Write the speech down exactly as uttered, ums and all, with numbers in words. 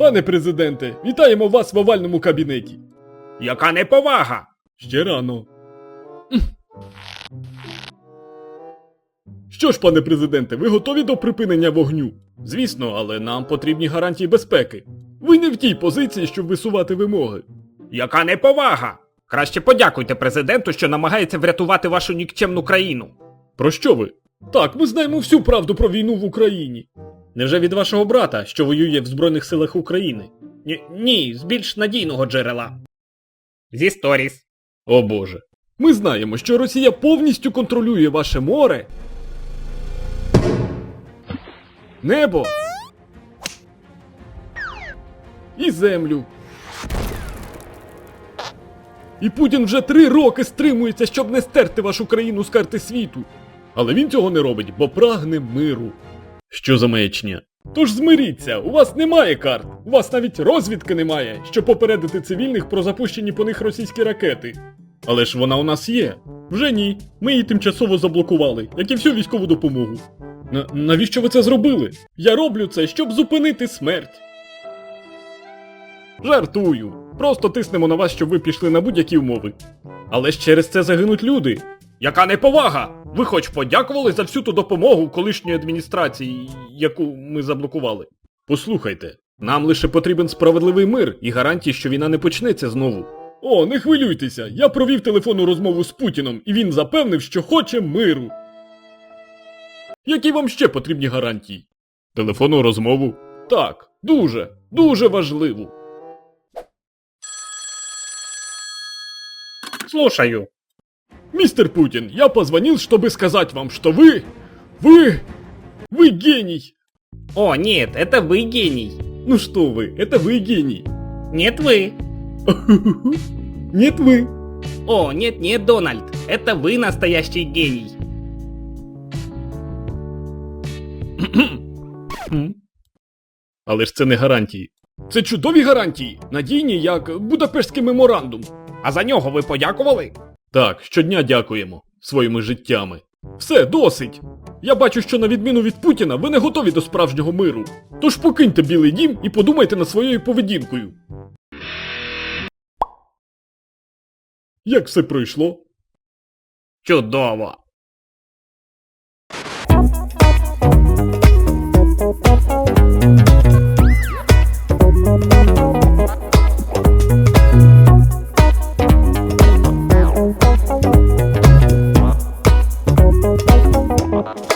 Пане президенте, вітаємо вас в овальному кабінеті. Яка неповага! Ще рано. Що ж, пане президенте, ви готові до припинення вогню? Звісно, але нам потрібні гарантії безпеки. Ви не в тій позиції, щоб висувати вимоги. Яка неповага! Краще подякуйте президенту, що намагається врятувати вашу нікчемну країну. Про що ви? Так, ми знаємо всю правду про війну в Україні. Невже від вашого брата, що воює в Збройних силах України? Ні, ні, з більш надійного джерела. Зі сторіс. О боже. Ми знаємо, що Росія повністю контролює ваше море, небо і землю. І Путін вже три роки стримується, щоб не стерти вашу країну з карти світу. Але він цього не робить, бо прагне миру. Що за маячня? Тож змиріться, у вас немає карт, у вас навіть розвідки немає, щоб попередити цивільних про запущені по них російські ракети. Але ж вона у нас є. Вже ні, ми її тимчасово заблокували, як і всю військову допомогу. На- навіщо ви це зробили? Я роблю це, щоб зупинити смерть. Жартую. Просто тиснемо на вас, щоб ви пішли на будь-які умови. Але ж через це загинуть люди. Яка неповага! Ви хоч подякували за всю ту допомогу колишньої адміністрації, яку ми заблокували? Послухайте, нам лише потрібен справедливий мир і гарантії, що війна не почнеться знову. О, не хвилюйтеся, я провів телефонну розмову з Путіном, і він запевнив, що хоче миру. Які вам ще потрібні гарантії? Телефонну розмову? Так, дуже, дуже важливу. Слушаю. Мистер Путин, я позвонил, чтобы сказать вам, что вы... Вы... Вы гений! О, нет, это вы гений. Ну что вы, это вы гений. Нет, вы. Нет вы. О, нет, нет, Дональд, это вы настоящий гений. Але ж це не гарантії. Це чудові гарантії, надійні, як Будапештський меморандум. А за нього ви подякували? Так, щодня дякуємо своїми життями. Все, досить! Я бачу, що на відміну від Путіна, ви не готові до справжнього миру. Тож покиньте Білий дім і подумайте над своєю поведінкою. Як все пройшло? Чудово.